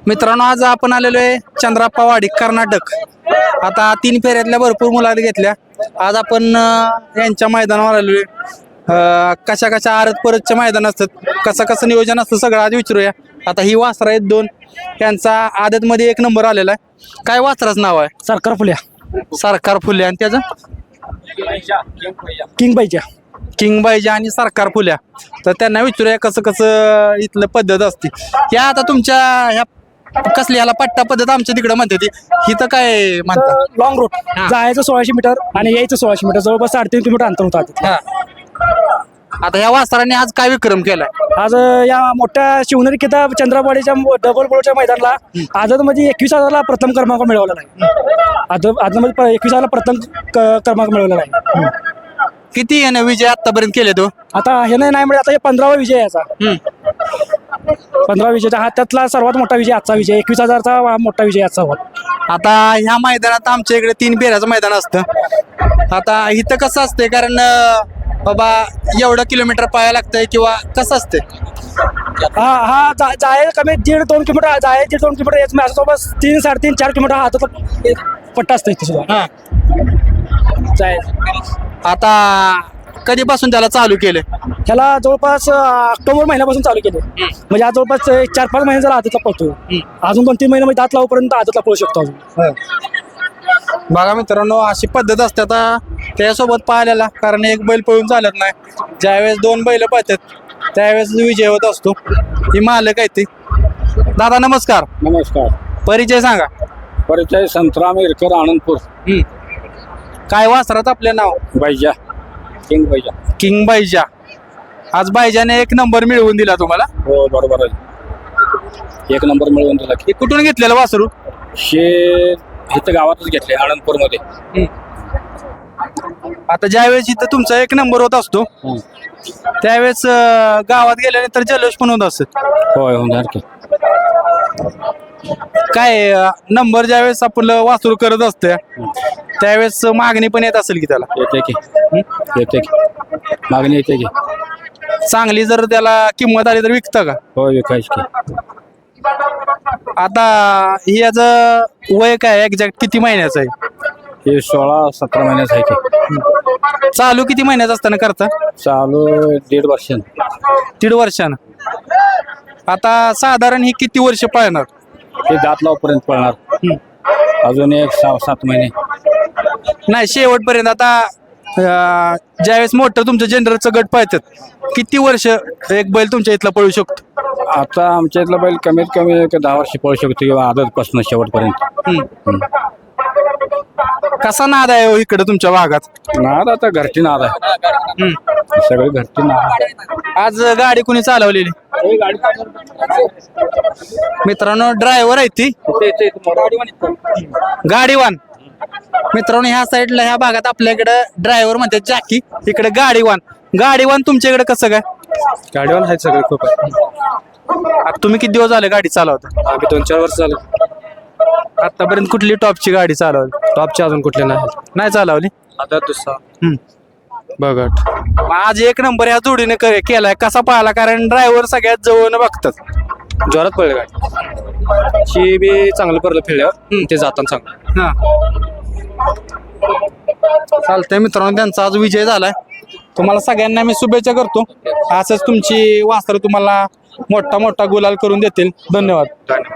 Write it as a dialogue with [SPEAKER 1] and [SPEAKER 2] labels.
[SPEAKER 1] मित्रांनो आज आपण आलेलो आहे चंद्राप्पा वाडी कर्नाटक. आता 3 फेऱ्यातल्या भरपूर मुलाखती घेतल्या. आज आपण यांच्या मैदानावर आलेलो आहे. कशा कशा आरत परतचे मैदान असतात, कसं नियोजन असतं सगळं आज विचारूया. आता ही वासरा आहेत 2, त्यांचा आदत मध्ये 1 नंबर आलेला आहे. काय वासराचं नाव आहे?
[SPEAKER 2] सरकार फुल्या,
[SPEAKER 1] सरकार फुल्या. आणि त्याचं
[SPEAKER 2] किंग बाईच्या.
[SPEAKER 1] किंग बाईजा आणि सरकार फुल्या. तर त्यांना विचारूया कसं इथलं पद्धत असते. या आता तुमच्या ह्या कसली ह्याला पट्टा पद्धत आमच्या तिकडे म्हणते ती, इथं काय म्हणतात?
[SPEAKER 2] लॉंग रूट जायचं 1600 मीटर आणि यायचं 1600 मीटर, जवळपास 3.5 किलोमीटर अंतर होतं.
[SPEAKER 1] हा. आता ह्या वासराने आज काय विक्रम केलाय?
[SPEAKER 2] आज या मोठ्या शिवनेरी किताब चंद्रावाडीच्या डबल बोलच्या मैदानाला आझाद मध्ये 21,000ला प्रथम क्रमांक मिळवलेला आहे. आझादमध्ये 21,000ला प्रथम क्रमांक मिळवलेला आहे.
[SPEAKER 1] किती याने विजय आतापर्यंत केले तो?
[SPEAKER 2] आता हे नाही म्हणजे आता हे 15वा विजय आहे याचा. 15वा विजयचा हा त्यातला सर्वात मोठा विजय आजचा विजय. 21,000चा मोठा विजय आजचा होता.
[SPEAKER 1] आता ह्या मैदानात आमच्या इकडे 3 फेऱ्याचं मैदान असतं. आता इथं कसं असतंय, कारण बाबा एवढं किलोमीटर पाहायला लागतंय किंवा कसं असतंय?
[SPEAKER 2] हा जाय कमी 1.5-2 किलोमीटर, जाय 1.5-2 किलोमीटर येत नाही. जवळपास 3-3.5-4 किलोमीटर हा हातात पट्टा असतं इथे सुद्धा.
[SPEAKER 1] हा.
[SPEAKER 2] जाय
[SPEAKER 1] आता कधीपासून त्याला चालू केलं?
[SPEAKER 2] ह्याला जवळपास ऑक्टोबर महिन्यापासून चालू केले. म्हणजे आज जवळपास 4-5 महिने जरा आदतला पळतो. अजून 2-3 महिने म्हणजे दात लावपर्यंत आदतला पळू शकतो अजून.
[SPEAKER 1] बघा मित्रांनो, अशी पद्धत असते आता त्यासोबत पाहिलेला, कारण एक बैल पळून चालत नाही. ज्यावेळेस 2 बैल पळतात त्यावेळेस विजय होत असतो. ही मालक आहे ती. दादा नमस्कार.
[SPEAKER 3] नमस्कार.
[SPEAKER 1] परिचय सांगा.
[SPEAKER 3] परिचय संतराम इरकर, आनंदपूर.
[SPEAKER 1] काय वासरात आपले नाव?
[SPEAKER 3] बाईजा, किंग बाईजा.
[SPEAKER 1] किंग बाईजा. आज बाईजाने 1 नंबर मिळवून दिला तुम्हाला.
[SPEAKER 3] हो बरोबर आहे, 1 नंबर मिळवून दिला.
[SPEAKER 1] हे कुठून घेतलेलं वासरू?
[SPEAKER 3] शे इथं गावातच घेतले, आनंदपूर मध्ये.
[SPEAKER 1] आता ज्यावेळेस इथं तुमचा 1 नंबर होत असतो त्यावेळेस गावात गेल्यानंतर जल्लोष पण होत असत.
[SPEAKER 3] होय होणार की.
[SPEAKER 1] काय नंबर ज्यावेळेस आपलं वासरू करत असते त्यावेळेस मागणी पण येत असेल की त्याला?
[SPEAKER 3] येते की, येते की, मागणी येते की.
[SPEAKER 1] चांगली जर त्याला किंमत आली तर विकता का?
[SPEAKER 3] होय विकायची की.
[SPEAKER 1] आता ही याचं वय काय एक्झॅक्ट किती महिन्याचं आहे?
[SPEAKER 3] हे 16-17 महिन्याचं आहे की.
[SPEAKER 1] चालू किती महिन्याचं असताना करता?
[SPEAKER 3] चालू 1.5 वर्ष.
[SPEAKER 1] 1.5 वर्षानं. आता साधारण ही किती वर्ष पाळणार?
[SPEAKER 3] हे दात लावपर्यंत पळणार. अजून 1-6-7 महिने.
[SPEAKER 1] नाही शेवटपर्यंत. आता ज्यावेळेस मोठं तुमचं जनरलचं गट पाळतात किती वर्ष एक बैल तुमच्या इथला पळू शकतो?
[SPEAKER 3] आता आमच्या इथला बैल कमीत कमी 10 वर्ष पळू शकतो किंवा आदतपासून शेवटपर्यंत.
[SPEAKER 1] कसा नाद आहे इकडे तुमच्या भागात?
[SPEAKER 3] नाद आता घरची नाद आहे, सगळे घरची नाद.
[SPEAKER 1] आज गाडी कुणी चालवलेली? मित्रांनो ड्रायव्हर आहे ती गाडीवान. मित्रांनो ह्या साईडला ह्या भागात आपल्याकडे ड्रायव्हर म्हणतात जॅकी, इकडे गाडीवान. गाडीवान तुमच्या इकडे कसं काय?
[SPEAKER 4] गाडीवान आहेत सगळे खूप आहे.
[SPEAKER 1] आता तुम्ही किती दिवस झाले गाडी चालवता?
[SPEAKER 4] आम्ही 2-4 वर्ष झालं.
[SPEAKER 1] आतापर्यंत कुठली टॉपची गाडी चालवली?
[SPEAKER 4] टॉपचे अजून कुठले नाही
[SPEAKER 1] चालवली.
[SPEAKER 4] आता दुसरा
[SPEAKER 1] बघट. आज 1 नंबर या जोडीने केलाय. कसा पाहिला? कारण ड्रायव्हर सगळ्यात जवळ बघतात.
[SPEAKER 4] जोरात पडले गाडी. शी बी चांगलं पडलं फिरल्यावर, ते जाताना चांगलं.
[SPEAKER 1] चालतंय मित्रांनो, त्यांचा आज विजय झालाय. तुम्हाला सगळ्यांना मी शुभेच्छा करतो. असंच तुमची वासरं तुम्हाला मोठा गुलाल करून देतील. धन्यवाद.